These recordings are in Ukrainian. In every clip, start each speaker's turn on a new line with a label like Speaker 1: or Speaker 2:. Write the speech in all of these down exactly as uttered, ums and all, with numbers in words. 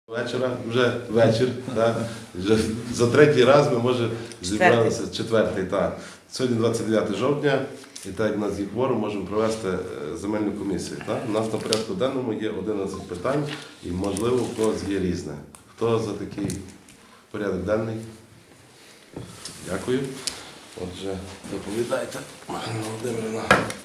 Speaker 1: Вечора, вже вечір, так. Вже за третій раз ми, може, зібралися, четвертий, так. Сьогодні двадцять дев'яте жовтня, і так як в нас є кворум, можемо провести е, земельну комісію. Так? У нас на порядку денному є одинадцять питань, і, можливо, у когось є різне. Хто за такий порядок денний? Дякую. Отже, доповідайте, Марина Володимирівна.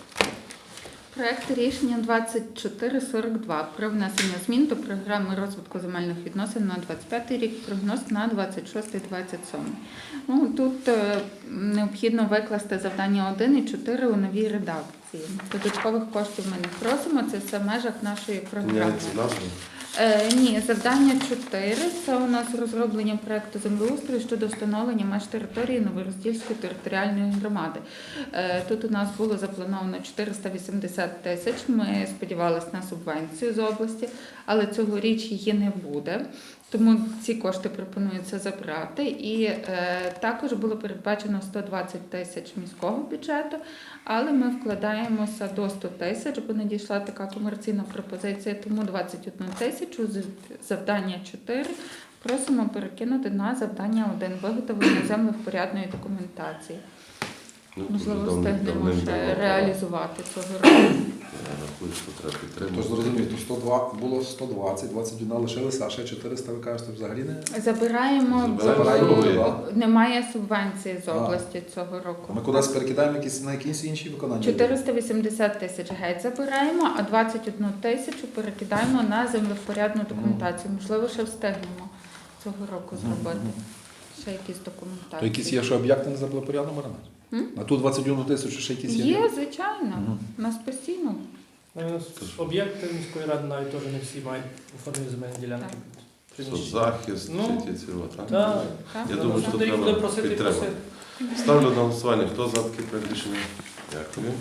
Speaker 2: Проект рішення двадцять чотири сорок два про внесення змін до програми розвитку земельних відносин на двадцять п'ятий рік, прогноз на двадцять шостий двадцять сьомий. Ну, тут е, необхідно викласти завдання один і чотири у новій редакції. Додаткових коштів ми не просимо, це все в межах нашої програми.
Speaker 1: Міняється назва?
Speaker 2: Е, ні, завдання чотири – це у нас розроблення проєкту землеустрою щодо встановлення меж території Новороздільської територіальної громади. Е, тут у нас було заплановано чотириста вісімдесят тисяч, ми сподівалися на субвенцію з області, але цьогоріч її не буде. Тому ці кошти пропонується забрати. І е, також було передбачено сто двадцять тисяч міського бюджету, але ми вкладаємося до сто тисяч, бо надійшла така комерційна пропозиція, тому двадцять одну тисячу з завдання чотири просимо перекинути на завдання один – виготовлення землевпорядної документації.
Speaker 1: Ну,
Speaker 2: Можливо,
Speaker 1: давним-
Speaker 2: встигнемо
Speaker 1: давним
Speaker 2: ще
Speaker 1: давно,
Speaker 2: реалізувати цього року.
Speaker 1: Я рахую, що треба підтримати.
Speaker 3: Тож зрозумів, то сто два було сто двадцять, двадцять один лишилися, а ще чотириста, ви кажете, взагалі не?
Speaker 2: Забираємо,
Speaker 1: Забираємо,
Speaker 2: бо немає субвенції з
Speaker 3: А.
Speaker 2: області цього року.
Speaker 3: Ми кудись перекидаємо якісь, на якісь інші виконання?
Speaker 2: чотириста вісімдесят тисяч геть забираємо, а двадцять одну тисячу перекидаємо на землевпорядну документацію. Можливо, ще встигнемо цього року зробити. Ще якісь документації.
Speaker 3: То якісь є, що об'єкти не забули порядно маринати?
Speaker 2: М?
Speaker 3: На ту двадцять одну тисячу ще якісь є?
Speaker 2: Є, звичайно.
Speaker 3: Мгм.
Speaker 2: У нас постійно.
Speaker 4: Ну, об'єкти міської ради навіть теж не всі мають оформлені земельні ділянки.
Speaker 2: Так.
Speaker 1: Соцзахист,
Speaker 4: Ну,
Speaker 1: чи ті цього, так?
Speaker 4: Так.
Speaker 2: Так?
Speaker 1: Я думаю, що
Speaker 4: Тобто їх
Speaker 1: треба
Speaker 4: буде просити і
Speaker 1: підтримати.
Speaker 4: просити.
Speaker 1: Ставлю на голосування. Хто за таке проект рішення? Дякую.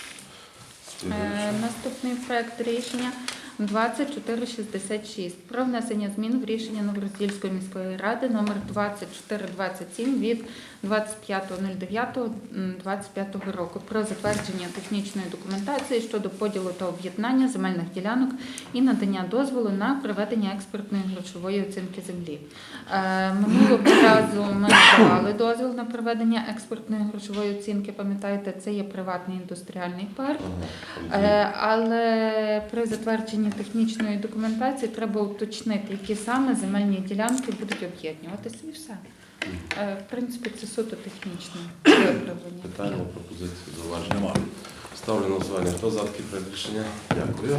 Speaker 2: Е, Наступний проект рішення двадцять чотири шістдесят шість про внесення змін в рішення Новороздільської міської ради номер двадцять чотири двадцять сім від двадцять п'ятого дев'ятого двадцять п'ятого року про затвердження технічної документації щодо поділу та об'єднання земельних ділянок і надання дозволу на проведення експертної грошової оцінки землі. Е, Минулого разу ми давали дозвіл на проведення експертної грошової оцінки. Пам'ятаєте, це є приватний індустріальний парк.
Speaker 1: Ага.
Speaker 2: Е, Але при затвердженні технічної документації треба уточнити, які саме земельні ділянки будуть об'єднуватися, і все. Е, В принципі, це суто технічне виправлення.
Speaker 1: Питання, пропозиції, зауваження?
Speaker 3: Нема.
Speaker 1: Ставлю на голосування. Хто за таке проект рішення? Дякую.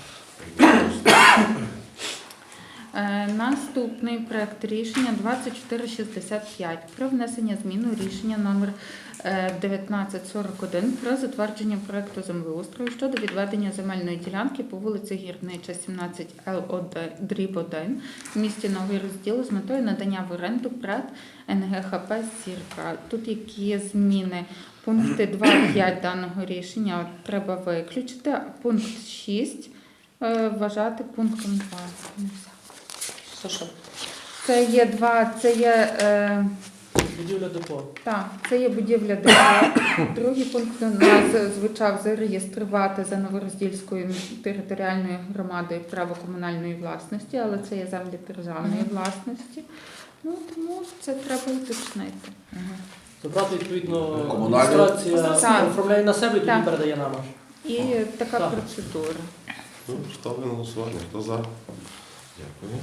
Speaker 2: Е, Наступний проект рішення двадцять чотири шістдесят п'ять про внесення змін у рішення номер е, дев'ятнадцять сорок один про затвердження проекту землеустрою щодо відведення земельної ділянки по вулиці Гірнича, сімнадцять Л один один в місті Новий Розділ з метою надання в оренду ПРЕД Ен Ге Ха Пе «Зірка». Тут які зміни? Пункти два і п'ять даного рішення от треба виключити, а пункт шість е, вважати пунктом два.
Speaker 4: Це що?
Speaker 2: Це є два, це є, е,
Speaker 4: Будівля депо.
Speaker 2: так, це є будівля депо. Другий пункт у нас звучав зареєструвати за Новороздільською територіальною громадою право комунальної власності, але це є землі державної власності. Ну, тому це треба уточнити.
Speaker 4: Забрати, відповідно,
Speaker 3: Комунальні?
Speaker 4: адміністрація
Speaker 2: Так.
Speaker 4: оформляє на себе і тоді
Speaker 2: Так.
Speaker 4: передає нам аж.
Speaker 2: І така
Speaker 4: Так.
Speaker 2: процедура.
Speaker 1: Ну, ставлю на голосування. Хто за? Дякую.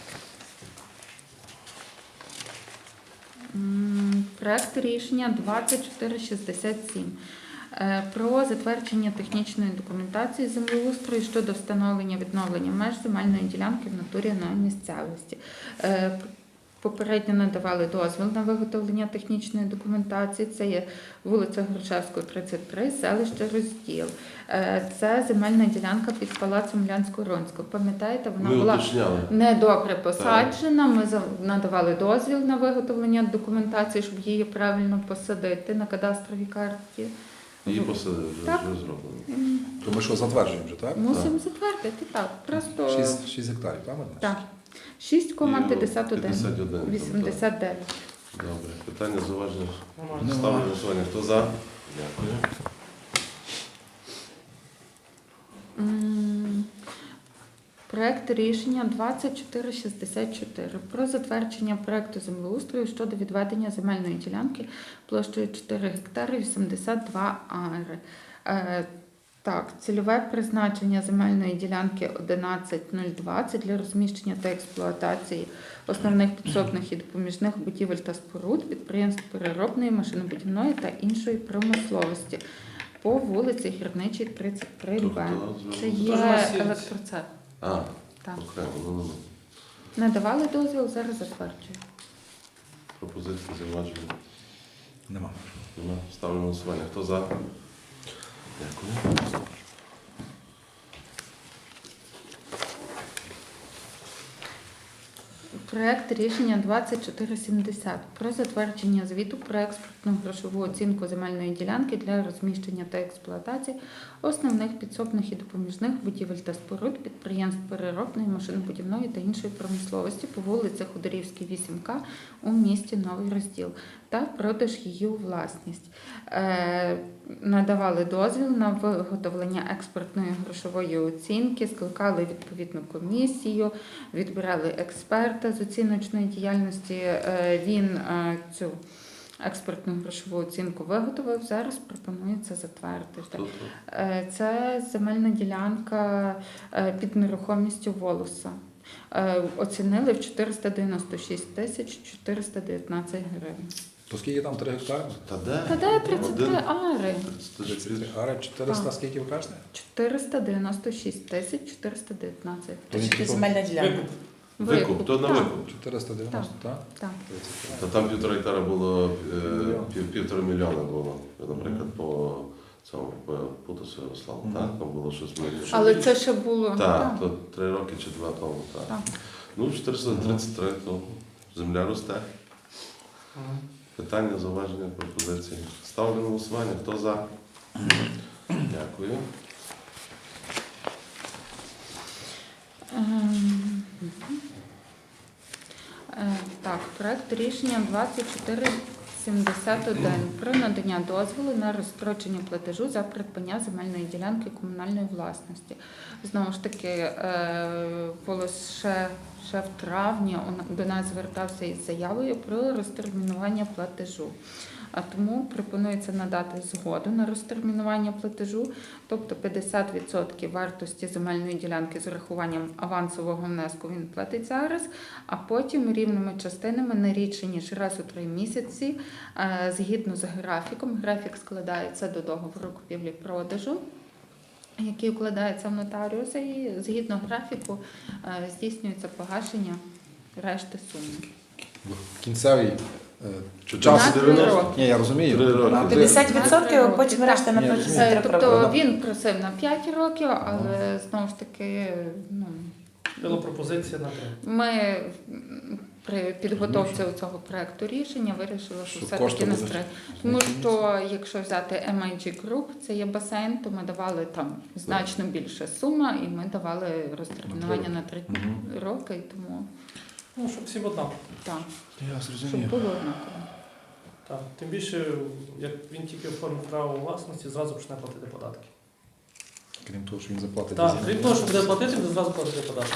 Speaker 2: М, Проект рішення двадцять чотири шістдесят сім е, про затвердження технічної документації землеустрою щодо встановлення відновлення меж земельної ділянки в натурі на місцевості. Е, Попередньо надавали дозвіл на виготовлення технічної документації. Це є вулиця Грушевського, тридцять три, селище Розділ. Е, Це земельна ділянка під палацом Лянсько-Ронського. Пам'ятаєте, вона
Speaker 1: Ми
Speaker 2: була
Speaker 1: уточняли.
Speaker 2: недобре посаджена. Ми за- надавали дозвіл на виготовлення документації, щоб її правильно посадити на кадастровій карті.
Speaker 1: Її посадили, вже,
Speaker 2: Так.
Speaker 1: вже зроблено.
Speaker 2: М,
Speaker 3: То ми що, затверджуємо вже, так?
Speaker 2: Мусимо затвердити, так. Просто
Speaker 3: шість, шість гектарів, так? Марина?
Speaker 2: так. шість кома п'ятдесят
Speaker 1: п'ятдесят
Speaker 2: один.
Speaker 1: один, там,
Speaker 2: вісімдесят дев'ять.
Speaker 1: так. Добре. Питання, зауваження?
Speaker 4: Нормально.
Speaker 1: Ставлю на голосування. Хто за? Дякую.
Speaker 2: М, Проект рішення двадцять чотири шістдесят чотири про затвердження проекту землеустрою щодо відведення земельної ділянки площею чотири гектари вісімдесят два ари. Е, Так, цільове призначення земельної ділянки одинадцять нуль двадцять для розміщення та експлуатації основних підсобних і допоміжних будівель та споруд, підприємств переробної, машинобудівної та іншої промисловості по вулиці Гірничій, тридцять три Б. Це
Speaker 4: Тож у
Speaker 2: є
Speaker 4: нас є-
Speaker 2: електроцеп.
Speaker 1: А,
Speaker 2: Так.
Speaker 1: окремо, ну, ну, ну.
Speaker 2: Надавали дозвіл, зараз затверджую.
Speaker 1: Пропозиції зауваження.
Speaker 3: Нема.
Speaker 1: Нема. Ставлю на голосування. Хто за? Дякую.
Speaker 2: Проект рішення двадцять чотири сімдесят про затвердження звіту про експертну грошову оцінку земельної ділянки для розміщення та експлуатації основних підсобних і допоміжних будівель та споруд, підприємств переробної, машинобудівної та іншої промисловості по вулиці Ходорівській, вісім К у місті Новий Розділ та продаж її у власність. Е, надавали дозвіл на виготовлення експертної грошової оцінки, скликали відповідну комісію, відбирали експерта з оціночної діяльності. Е, він е, цю експертну грошову оцінку виготовив, зараз пропонується затвердити.
Speaker 1: Хто тут?
Speaker 2: Е, це земельна ділянка е, під нерухомістю Волоса. Е, оцінили в чотириста дев'яносто шість тисяч чотириста дев'ятнадцять гривень.
Speaker 3: То скільки там три гектари?
Speaker 1: Та де?
Speaker 2: Та де тридцять три
Speaker 1: Один.
Speaker 2: ари?
Speaker 1: тридцять три.
Speaker 3: Ари чотириста,
Speaker 2: Так.
Speaker 3: скільки ви кажете?
Speaker 2: чотириста дев'яносто шість тисяч чотириста дев'ятнадцять.
Speaker 3: То він
Speaker 5: Чи
Speaker 3: типу
Speaker 5: земельна ділянка?
Speaker 4: Викуп.
Speaker 1: Викуп, то на
Speaker 2: Так,
Speaker 1: викуп.
Speaker 3: чотириста дев'яносто, так?
Speaker 2: так.
Speaker 1: Та там півтора гектара було, е,
Speaker 3: Мільйон.
Speaker 1: пів, півтора мільйона було, наприклад, по цьому, по Путусу Ярославу,
Speaker 3: Мгм.
Speaker 1: так? Там було щось мільйон.
Speaker 2: Але це ще було.
Speaker 1: Так, то три роки чи два тому, так.
Speaker 2: Так.
Speaker 1: Ну, чотириста тридцять три, то земля росте.
Speaker 4: Ага.
Speaker 1: Питання, зауваження, пропозиції. Ставлю на голосування. Хто за? Дякую.
Speaker 2: Ем, е, Так, проект рішення двадцять чотири сімдесят один про надання дозволу на розстрочення платежу за придбання земельної ділянки комунальної власності. Знову ж таки, е, Волос ще, ще в травні он- до нас звертався із заявою про розтермінування платежу. А тому пропонується надати згоду на розтермінування платежу, тобто п'ятдесят відсотків вартості земельної ділянки з урахуванням авансового внеску він платить зараз, а потім рівними частинами не рідше, ніж раз у три місяці, е, згідно з графіком. Графік складається до договору купівлі-продажу, який укладається в нотаріуса, і згідно графіку е, здійснюється погашення решти суми.
Speaker 3: Кінцевий е, час.
Speaker 2: Дванадцять
Speaker 1: дев'яносто.
Speaker 2: років.
Speaker 3: Ні, я розумію.
Speaker 1: Три роки.
Speaker 3: На три-
Speaker 5: п'ятдесят відсотків, а потім
Speaker 2: Так.
Speaker 5: решта на
Speaker 3: Ні,
Speaker 5: протязі
Speaker 3: розумію.
Speaker 2: Е,
Speaker 5: трьох
Speaker 2: Тобто
Speaker 5: років.
Speaker 2: він просив на п'ять років, але знову ж таки, ну,
Speaker 4: Була пропозиція на три.
Speaker 2: ми м, при підготовці цього проекту рішення вирішили, що
Speaker 3: Що
Speaker 2: все-таки
Speaker 3: кошти
Speaker 2: не
Speaker 3: будуть
Speaker 2: стри. Тому що якщо взяти ем ай джі Group, це є басейн, то ми давали там значно більше сума, і ми давали розтермінування на три
Speaker 3: Мгм.
Speaker 2: роки, і тому
Speaker 4: Ну, щоб всім однаково.
Speaker 2: так,
Speaker 3: Я
Speaker 2: щоб
Speaker 3: зрозумів.
Speaker 2: було однаково.
Speaker 4: Так. Тим більше, як він тільки оформив право власності, зразу почне платити податки.
Speaker 3: Крім того, що він заплатить.
Speaker 4: Так,
Speaker 3: за землю.
Speaker 4: крім того, що буде платити, буде зразу платити податки.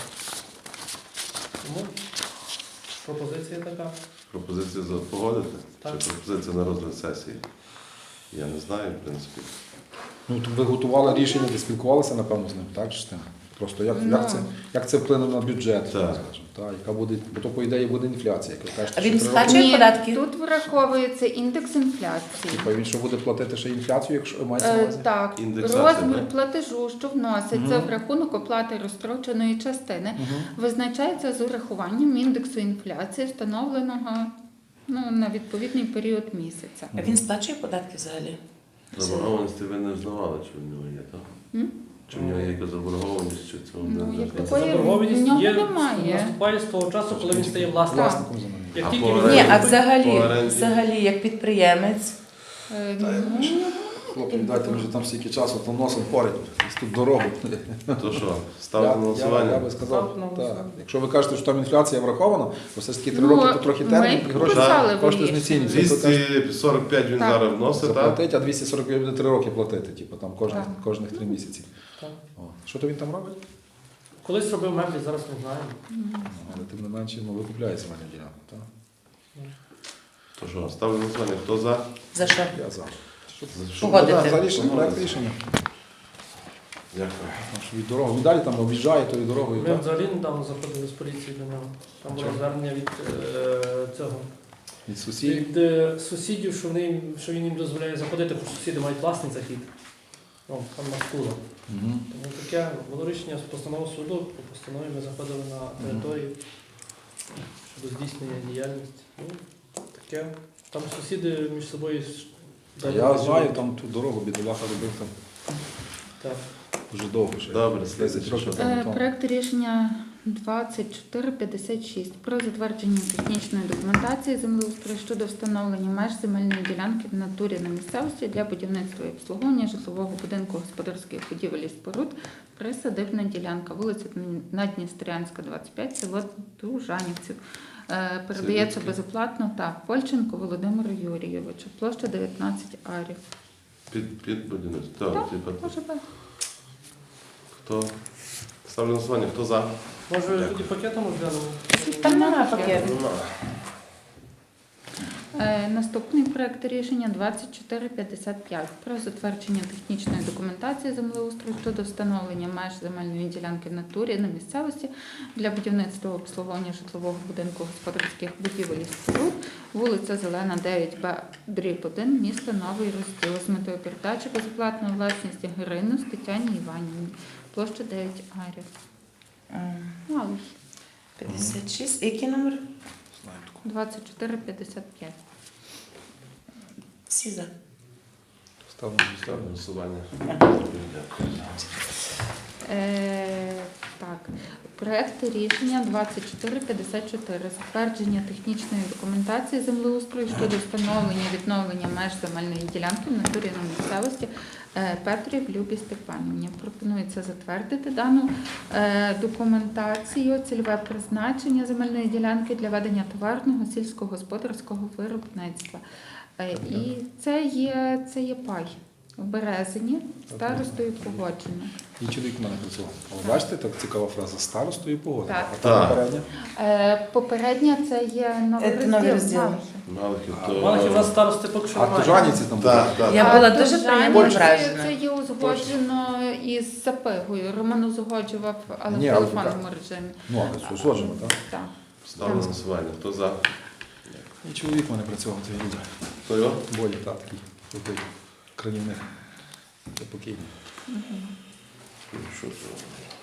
Speaker 4: Тому пропозиція така.
Speaker 1: Пропозиція за погодити?
Speaker 4: Так.
Speaker 1: Чи пропозиція на розгляд сесії? Я не знаю, в принципі.
Speaker 3: Ну, то ви готували рішення, ви спілкувалися, напевно, з ним, так? Чи з тим? Просто як,
Speaker 2: Ну.
Speaker 3: як, це, як це вплине на бюджет,
Speaker 1: Так.
Speaker 3: скажімо, так? Яка буде, бо то, по ідеї, буде інфляція. Як ви кажете,
Speaker 5: А він
Speaker 3: що три
Speaker 5: сплачує
Speaker 3: роки,
Speaker 2: Ні,
Speaker 5: податки?
Speaker 2: тут враховується індекс інфляції.
Speaker 3: типу, він що буде платити ще інфляцію, якщо мається на
Speaker 2: Е,
Speaker 3: увазі?
Speaker 2: Так,
Speaker 1: Індексація,
Speaker 2: розмір
Speaker 1: так?
Speaker 2: платежу, що вноситься в рахунок оплати розстроченої частини,
Speaker 3: Мгм.
Speaker 2: визначається з урахуванням індексу інфляції, встановленого ну, на відповідний період місяця.
Speaker 5: А він сплачує податки взагалі?
Speaker 1: Заборгованості ви не знавали, чи в нього є, так?
Speaker 2: М?
Speaker 1: Чи в нього є якась заборгованість, чи цього
Speaker 2: Ну,
Speaker 1: не
Speaker 2: як
Speaker 1: знаю.
Speaker 2: такої-
Speaker 4: Заборгованість
Speaker 2: в нього
Speaker 4: є,
Speaker 2: немає.
Speaker 4: наступає з того часу, коли він стає власником.
Speaker 3: Власником землі.
Speaker 4: Як
Speaker 1: А
Speaker 4: тільки
Speaker 1: по
Speaker 4: він
Speaker 1: оренді?
Speaker 5: Ні, а
Speaker 1: По
Speaker 5: взагалі,
Speaker 1: оренді?
Speaker 5: взагалі, як підприємець,
Speaker 2: Е,
Speaker 3: Та,
Speaker 2: ну,
Speaker 3: Хлопці, дайте ми вже там стільки часу, то носом порять, тут дорогу.
Speaker 1: То що,
Speaker 3: Я,
Speaker 1: ставлю на
Speaker 3: я, я
Speaker 1: голосування?
Speaker 3: би сказав,
Speaker 4: Ставте на
Speaker 3: так.
Speaker 4: голосування.
Speaker 3: Якщо ви кажете, що там інфляція врахована, то все ж таки три
Speaker 2: Ну,
Speaker 3: роки, то трохи термін,
Speaker 2: ми
Speaker 3: і гроші
Speaker 2: писали в
Speaker 3: кошти
Speaker 2: рішенні.
Speaker 3: знецінюються. То кажуть,
Speaker 1: двісті сорок п'ять він
Speaker 2: Так.
Speaker 1: зараз вносить, так?
Speaker 3: заплатить, а двісті сорок п'ять буде три роки платити, типу, там кожних,
Speaker 2: Так.
Speaker 3: кожних три місяці.
Speaker 4: Так.
Speaker 3: О. Що то він там робить?
Speaker 4: Колись робив меблі, зараз не знаю.
Speaker 3: Але тим не менше, ну, ви купляєте земельну ділянку, так?
Speaker 1: То що, ставлю на голосування. Хто за?
Speaker 5: За що?
Speaker 3: Я за.
Speaker 1: За що?
Speaker 5: Погодити.
Speaker 3: Ну, да, за рішення, проект рішення.
Speaker 1: Дякую.
Speaker 3: Тому що від дороги, далі там об'їжджає тою дорогою,
Speaker 4: Ми
Speaker 3: так?
Speaker 4: взагалі недавно заходили з поліції до нього. Там було
Speaker 3: Чого?
Speaker 4: звернення від е, цього.
Speaker 3: Від сусідів.
Speaker 4: Від е, сусідів, що, вони, їм- що він їм дозволяє заходити, бо сусіди мають власний захід. Ну, там на скула.
Speaker 3: Угу.
Speaker 4: Тому таке було рішення з постанови суду, по постанові ми заходили на територію щодо здійснення діяльності. Ну, таке. Там сусіди між собою. ж-
Speaker 3: Та я знаю, там ту дорогу бідолаха робив там
Speaker 4: Так.
Speaker 3: дуже довго ще.
Speaker 1: Добре,
Speaker 3: десять років
Speaker 2: Е,
Speaker 3: тому. тому.
Speaker 2: Проект рішення двадцять чотири п'ятдесят шість про затвердження технічної документації землеустрою щодо встановлення меж земельної ділянки в натурі на місцевості для будівництва і обслуговування житлового будинку господарських будівель і споруд, присадибна ділянка, вулиця Надністрянська, двадцять п'ять, село Дружанівців. Е, Передається
Speaker 1: Це
Speaker 2: безоплатно так, Польченко Володимиру Юрійовичу, площа дев'ятнадцять арів.
Speaker 1: Під, під будівництво. Так,
Speaker 2: Так,
Speaker 1: типа,
Speaker 2: може бути.
Speaker 1: хто? Ставлю на голосування. Хто за?
Speaker 4: Може, тоді пакетом розглянемо?
Speaker 5: Там немає пакету.
Speaker 2: Е, Наступний проект рішення двадцять чотири п'ятдесят п'ять про затвердження технічної документації землеустрою щодо встановлення меж земельної ділянки в натурі на місцевості для будівництва і обслуговування житлового будинку господарських будівель і споруд, вулиця Зелена, дев'ять Б, дріб один, місто Новий Розділ, з метою передачі безоплатної власності Гринус Тетяні Іванівні, площа дев'ять арів.
Speaker 5: М,
Speaker 2: Мало ж.
Speaker 5: п'ятдесят шість. Який номер?
Speaker 3: Знаю таку.
Speaker 2: двадцять чотири п'ятдесят п'ять.
Speaker 5: Всі за.
Speaker 3: Ставимо.
Speaker 1: Ставлю на голосування.
Speaker 5: Ага.
Speaker 1: Дякую.
Speaker 2: Е, так, проект рішення двадцять чотири п'ятдесят чотири. Затвердження технічної документації землеустрою щодо встановлення відновлення меж земельної ділянки в натурі на місцевості е, Петрів Любі Степанівні. Пропонується затвердити дану е, документацію, цільове призначення земельної ділянки для ведення товарного сільськогосподарського виробництва. Е, і це є, це є пай в Березині, старостою погоджено.
Speaker 3: І чоловік в мене працював. Але бачите, так цікава фраза. Старостою погоди.
Speaker 2: Так.
Speaker 3: А там
Speaker 1: Так.
Speaker 3: попередня?
Speaker 2: Е, Попередня це є новий
Speaker 5: Це
Speaker 2: розділ.
Speaker 5: новий розділ.
Speaker 2: Малахів.
Speaker 1: Малахів,
Speaker 3: А,
Speaker 1: то...
Speaker 4: Малахів у нас старости поки що
Speaker 3: А
Speaker 4: немає.
Speaker 3: то Жанівці там були.
Speaker 1: Так, так.
Speaker 5: Я
Speaker 2: А
Speaker 5: була
Speaker 2: то
Speaker 5: дуже
Speaker 2: Жані-
Speaker 5: приємно
Speaker 2: це-
Speaker 5: вражена.
Speaker 2: Це є узгоджено із Запигою. Роман узгоджував, але
Speaker 3: Ні,
Speaker 2: в
Speaker 3: але
Speaker 2: телефонному режимі.
Speaker 3: Ну, але це узгоджено, так?
Speaker 2: Так.
Speaker 1: Ставлю на голосування. Хто за?
Speaker 3: І чоловік в мене працював, цей люди.
Speaker 1: Хто його?
Speaker 3: Болі, так, такий. Такий кранівник. Це покійний.
Speaker 1: Що це?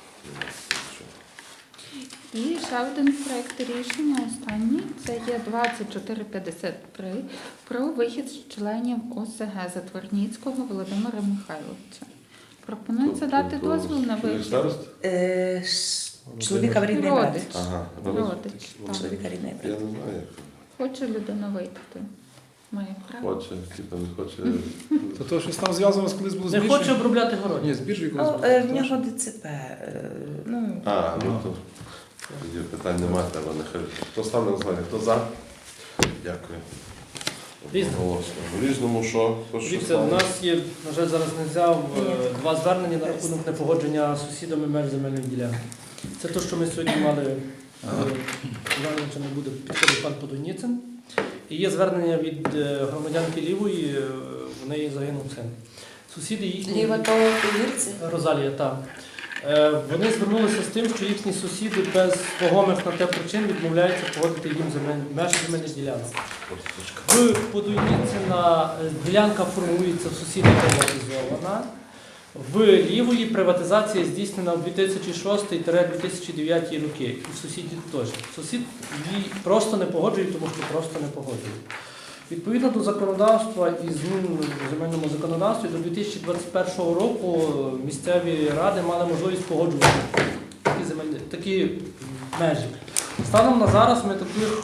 Speaker 2: І ще один проект рішення, останній, це є двадцять чотири п'ятдесят три про вихід з членів О С Г Затворніцького Володимира Михайловича. Пропонується дати дозвіл на вихід.
Speaker 1: Старост?
Speaker 5: Е, ш- Чоловіка в рідний брат.
Speaker 2: Родич.
Speaker 1: Ага.
Speaker 2: Родич. Так.
Speaker 5: Чоловіка рідний
Speaker 1: Я
Speaker 5: брат.
Speaker 1: не знаю, як.
Speaker 2: Хоче людина вийти. Має право.
Speaker 1: Хоче, типа не хоче.
Speaker 3: Та то щось там зв'язано з колись було з
Speaker 4: Не
Speaker 3: біржею?
Speaker 4: хоче обробляти город.
Speaker 3: Ні, з біржею колись
Speaker 5: Ну,
Speaker 3: було.
Speaker 5: е, в
Speaker 3: Тому
Speaker 5: нього
Speaker 3: що-
Speaker 5: Д Ц П. е, Ну,
Speaker 1: А, ну то тоді питань немає, треба нехай. Хто ставлю на голосування? Хто за? Дякую.
Speaker 4: Різне.
Speaker 1: Голосно. В різному що? Хто що
Speaker 4: Дивіться, у
Speaker 1: ставить?
Speaker 4: нас є, на жаль, зараз не взяв е,
Speaker 5: Ні.
Speaker 4: два звернення на рахунок непогодження з сусідами меж земельної ділянки. Це те, що ми сьогодні мали, звернення не буде підходить пан Подуніцин. І є звернення від е, громадянки Лівої, е, в неї загинув син. Сусіди їхні...
Speaker 5: ліва то повірці.
Speaker 4: Розалія, так. Е, Вони звернулися з тим, що їхні сусіди без вагомих на те причин відмовляються погодити їм земель, межі земельних ділянок. В Подуйніцина ділянка формується в сусіда приватизована. В Лівої приватизація здійснена в дві тисячі шостий - дві тисячі дев'ятий роки. І в сусідів теж. Сусід її просто не погоджує, тому що просто не погоджує. Відповідно до законодавства і змін в земельному законодавстві до дві тисячі двадцять першого року місцеві ради мали можливість погоджувати такі, земельні, такі межі. Станом на зараз ми таких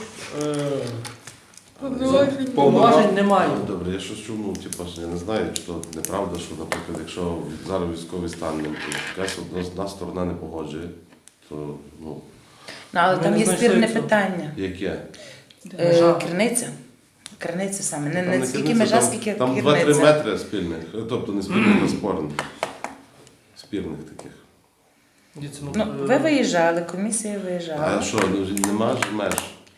Speaker 4: е, повноважень не маємо.
Speaker 1: Добре, я щось чув, ну, типу, що я не знаю, чи то неправда, що, наприклад, якщо зараз військовий стан, ну, якась одна, одна сторона не погоджує, то, ну,
Speaker 5: Ну, але
Speaker 4: Ми
Speaker 5: там
Speaker 4: не
Speaker 5: є
Speaker 4: знайшли
Speaker 5: спірне
Speaker 4: цього.
Speaker 5: питання.
Speaker 1: яке?
Speaker 5: Е,
Speaker 4: Межа.
Speaker 5: Криниця. Криниця саме. Не,
Speaker 1: Там
Speaker 5: не
Speaker 1: не
Speaker 5: скільки
Speaker 1: керниця,
Speaker 5: межа,
Speaker 1: там-
Speaker 5: скільки
Speaker 1: Там два-три
Speaker 5: криниця.
Speaker 1: метри спільних, тобто не спільних, а спорних. Спірних таких.
Speaker 4: Дивіться,
Speaker 5: Ну,
Speaker 4: е,
Speaker 5: ви виїжджали, комісія
Speaker 1: А
Speaker 5: виїжджала,
Speaker 1: що, ну, нема ж меж?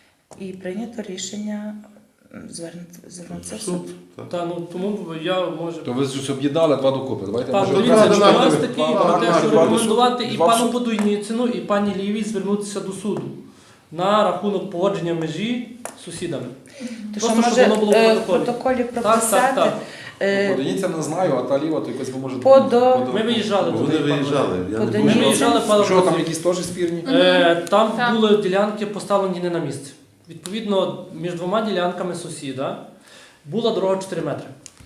Speaker 5: і прийнято рішення м, звернути- звернутися в суд.
Speaker 1: Суд. Так.
Speaker 4: Та, ну, тому я може.
Speaker 3: То ви ж об'єднали два докупи. Давайте
Speaker 4: Так,
Speaker 3: може,
Speaker 4: дивіться,
Speaker 1: одразу
Speaker 4: що
Speaker 1: на-
Speaker 4: у нас
Speaker 1: на-
Speaker 4: такий
Speaker 3: на-
Speaker 4: про те,
Speaker 3: на-
Speaker 4: що
Speaker 3: на-
Speaker 4: рекомендувати і
Speaker 3: два в
Speaker 4: пану
Speaker 3: суд.
Speaker 4: Подуйніцину, і пані Лівій звернутися до суду на рахунок погодження межі з сусідами.
Speaker 5: То що
Speaker 4: Просто, щоб
Speaker 5: може
Speaker 4: воно було в
Speaker 5: е, в
Speaker 4: протоколі.
Speaker 5: протоколі
Speaker 4: так,
Speaker 5: прописати
Speaker 4: так.
Speaker 5: е,
Speaker 3: Подивіться, не знаю, а та ліва, то якось ви можете...
Speaker 5: По до-
Speaker 4: Ми виїжджали
Speaker 1: Бо
Speaker 4: туди.
Speaker 1: Вони виїжджали. Я
Speaker 5: По
Speaker 1: не
Speaker 5: Донецьку.
Speaker 4: Ми
Speaker 1: думаю,
Speaker 4: виїжджали пару
Speaker 3: Що, там
Speaker 4: разів.
Speaker 3: якісь теж спірні?
Speaker 4: Е, Там
Speaker 2: Так.
Speaker 4: були ділянки поставлені не на місці. Відповідно, між двома ділянками сусіда була дорога чотири метри.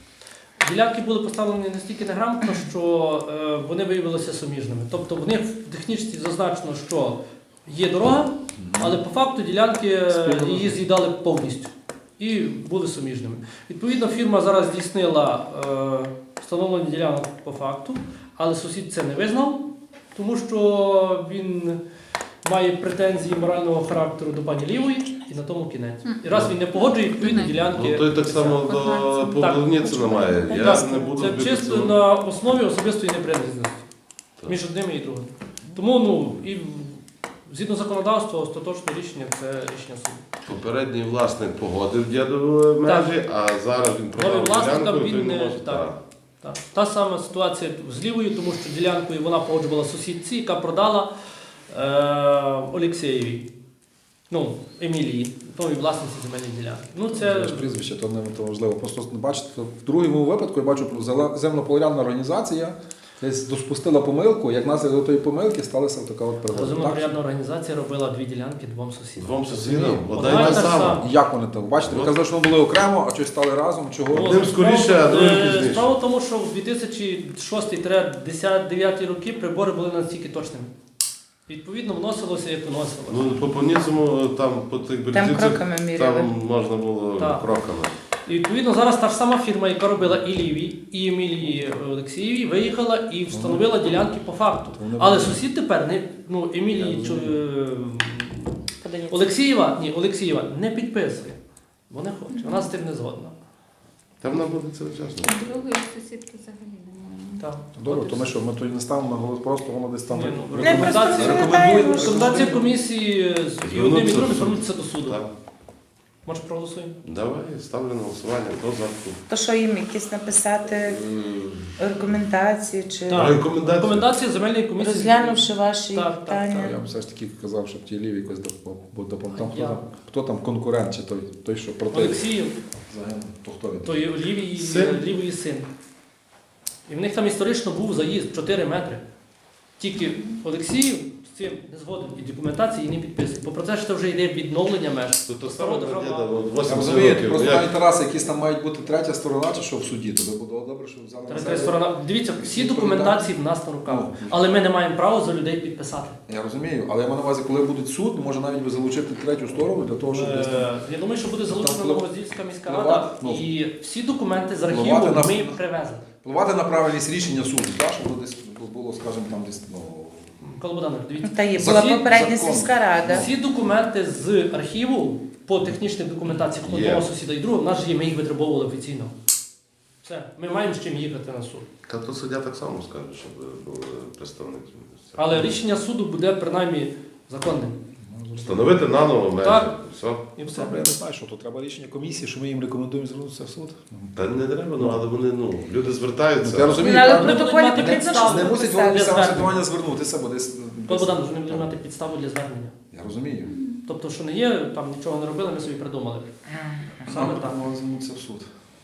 Speaker 4: Ділянки були поставлені настільки неграмотно, що е, вони виявилися суміжними. Тобто в них в технічці зазначено, що є дорога, але по факту ділянки е, її з'їдали повністю і були суміжними. Відповідно, фірма зараз здійснила е, встановлення ділянок по факту, але сусід це не визнав, тому що він має претензії морального характеру до пані Лівої, і на тому кінець. І раз він не погоджує, відповідно,
Speaker 2: Мгм.
Speaker 4: ділянки.
Speaker 1: Ну, той так само до
Speaker 2: Так.
Speaker 1: Поблівніцина має. Я
Speaker 4: Так,
Speaker 1: не буду
Speaker 4: це
Speaker 1: бити
Speaker 4: чисто
Speaker 1: цього.
Speaker 4: на основі особистої неприязності
Speaker 1: Так.
Speaker 4: між одними і другими. Тому, ну, і згідно законодавства, остаточне рішення це рішення суду.
Speaker 1: Попередній власник погодив дідові межі, а зараз він продав
Speaker 4: Новий власник,
Speaker 1: ділянку,
Speaker 4: там
Speaker 1: і той
Speaker 4: він
Speaker 1: не
Speaker 4: не-
Speaker 1: може.
Speaker 4: так.
Speaker 1: Так.
Speaker 4: Так. Та сама ситуація з Лівою, тому що ділянкою вона погоджувала сусідці, яка продала е, Олексєєвій, ну, Емілії, новій власниці земельної ділянки. Ну,
Speaker 3: Це
Speaker 4: це
Speaker 3: ж прізвище, то не то важливо. Просто бачите, в другому випадку я бачу земнополярна організація десь допустила помилку, як наслідок тої помилки сталася така от пригода.
Speaker 4: розумно-порядна організація робила дві ділянки двом сусідам.
Speaker 1: Двом сусідам, одна
Speaker 4: Одна
Speaker 1: й
Speaker 4: і
Speaker 1: та
Speaker 4: та
Speaker 1: сама.
Speaker 4: сама.
Speaker 3: Як вони так? Бачите, ви казали, що вони були окремо, а щось стали разом. Чого?
Speaker 4: Ну,
Speaker 1: Одним скоріше, а другим
Speaker 4: Е,
Speaker 1: пізніше.
Speaker 4: Справа в тому, що в дві тисячі шостий - дев'ятий роки прибори були настільки точними. Відповідно, вносилося, як вносилося.
Speaker 1: Ну, по Поніцьому там по тих
Speaker 5: Там
Speaker 1: березівцях,
Speaker 5: кроками міряли.
Speaker 1: там можна було
Speaker 4: Так.
Speaker 1: кроками.
Speaker 4: І відповідно зараз та ж сама фірма, яка робила і Лівій, і Емілії Олексієвій, виїхала і встановила ділянки по факту.
Speaker 3: Вони
Speaker 4: Але
Speaker 3: були.
Speaker 4: сусід тепер не ну Емілії
Speaker 3: Я
Speaker 4: чу-
Speaker 3: розумію.
Speaker 4: е,
Speaker 5: Подивіться.
Speaker 4: Олексієва, ні, Олексієва не підписує. Вона хоче, вона з тим не згодна.
Speaker 1: Там вона буде це вчасно.
Speaker 2: Другої сусідки взагалі немає.
Speaker 4: Так.
Speaker 3: Добре, то ми що, ми тоді не ставимо на голос, просто воно десь там.
Speaker 4: Ні, ну,
Speaker 5: Не, просто
Speaker 4: рекомендації,
Speaker 5: розглядаємо, що-
Speaker 4: рекомендація комісії з- і одним і
Speaker 1: Звернутися
Speaker 4: другим
Speaker 1: до суду.
Speaker 4: звернутися до суду.
Speaker 1: Так.
Speaker 4: Може проголосуємо?
Speaker 1: Давай, ставлю на голосування. Хто за?
Speaker 5: То що їм якісь написати
Speaker 1: М,
Speaker 5: рекомендації чи
Speaker 4: Так.
Speaker 1: Рекомендації.
Speaker 4: Рекомендації земельної комісії.
Speaker 5: розглянувши ваші
Speaker 4: Так, так,
Speaker 5: питання?
Speaker 3: Я б все ж таки казав, щоб ті ліві якось допомогли. Там, хто,
Speaker 4: Я.
Speaker 3: там, хто там конкурент, чи той, той що проти
Speaker 4: Олексіїв,
Speaker 3: загинув, то хто він?
Speaker 4: то є лівій
Speaker 1: Син.
Speaker 4: лівої син. І в них там історично був заїзд чотири метри. Тільки Олексіїв з цим не згоден і документації не підписує. Бо про це ж це вже йде відновлення меж.
Speaker 1: То то
Speaker 4: Старого
Speaker 1: саме
Speaker 4: державного-
Speaker 1: діда, от
Speaker 3: Я
Speaker 1: вісімдесят
Speaker 3: розумію,
Speaker 1: років.
Speaker 3: просто
Speaker 1: Як?
Speaker 3: навіть Тараса, якісь там мають бути третя сторона, чи що в суді, то би було добре, щоб взяли на
Speaker 4: Третя
Speaker 3: себе.
Speaker 4: сторона. Дивіться, всі документації в нас на руках.
Speaker 3: Ну.
Speaker 4: Але ми не маємо права за людей підписати.
Speaker 3: Я розумію, але я маю на увазі, коли буде суд, може навіть би залучити третю сторону для того, щоб десь там
Speaker 4: Е, Я думаю, що буде залучена
Speaker 3: Там
Speaker 4: Новороздільська міська
Speaker 3: впливати,
Speaker 4: рада.
Speaker 3: ну,
Speaker 4: І всі документи з архіву
Speaker 3: впливати на-
Speaker 4: ми привезли.
Speaker 3: впливати на правильність рішення суду, так, щоб десь було, скажімо, там десь, ну,
Speaker 4: Микола Богданович, дивіться.
Speaker 5: Та є
Speaker 3: Закон-
Speaker 5: була попередня
Speaker 3: закон.
Speaker 5: сільська рада.
Speaker 4: Всі документи з архіву по технічних документаціях
Speaker 1: Є.
Speaker 4: одного сусіда і другого, в нас ж є, ми їх витребовували офіційно. Все, ми маємо з чим їхати на суд.
Speaker 1: Та то суддя так само скаже, щоб був представник.
Speaker 4: Але рішення суду буде принаймні законним.
Speaker 1: Встановити наново межі.
Speaker 4: Так.
Speaker 1: Все.
Speaker 4: І все.
Speaker 3: Добре, я не знаю, що то треба рішення комісії, що ми їм рекомендуємо звернутися в суд.
Speaker 1: Та не треба, ну але вони, ну, люди
Speaker 3: Ну,
Speaker 1: звертаються.
Speaker 3: я розумію,
Speaker 5: Ну, але
Speaker 3: так,
Speaker 5: в
Speaker 4: не
Speaker 5: протоколі
Speaker 4: будуть мати
Speaker 5: потрібно
Speaker 4: підстав,
Speaker 5: щось
Speaker 3: не мусить
Speaker 5: написати.
Speaker 3: вони
Speaker 4: Для
Speaker 3: саме
Speaker 4: звернення.
Speaker 3: ситуація звернутися, бо десь.
Speaker 4: Микола Богданович, вони будуть мати підставу для звернення.
Speaker 3: Я розумію.
Speaker 4: Тобто, що не є, там нічого не робили, ми собі придумали. Саме так.
Speaker 3: Нам звернутися в суд.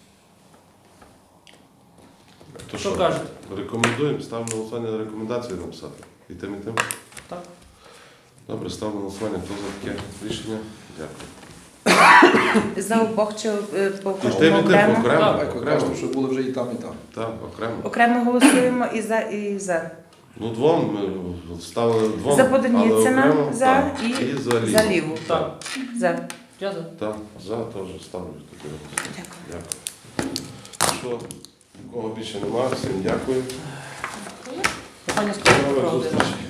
Speaker 1: То
Speaker 4: Що кажете?
Speaker 1: Рекомендуємо, ставимо на голосування рекомендації написати. І тим, і тим.
Speaker 4: Так.
Speaker 1: Добре, ставимо на голосування. Хто за таке рішення? Дякую.
Speaker 5: За обох чи е, по
Speaker 1: І тим, і тим,
Speaker 5: окремо?
Speaker 1: окремо.
Speaker 3: Так,
Speaker 1: Окремо.
Speaker 3: окремо, що були вже і там, і там.
Speaker 1: Так, окремо.
Speaker 5: Окремо голосуємо і за, і за.
Speaker 1: Ну, двом ми ставили двом.
Speaker 5: За
Speaker 1: але
Speaker 5: Подоніцина,
Speaker 1: окремо,
Speaker 5: за
Speaker 1: так.
Speaker 5: і
Speaker 1: і за ліву.
Speaker 5: за ліву.
Speaker 4: Так.
Speaker 5: За.
Speaker 4: Я за.
Speaker 1: Так, за теж ставлю. таке.
Speaker 5: Дякую.
Speaker 1: Дякую. Що, нікого більше немає, всім дякую.
Speaker 4: Питання скажу.
Speaker 1: До нових зустрічей.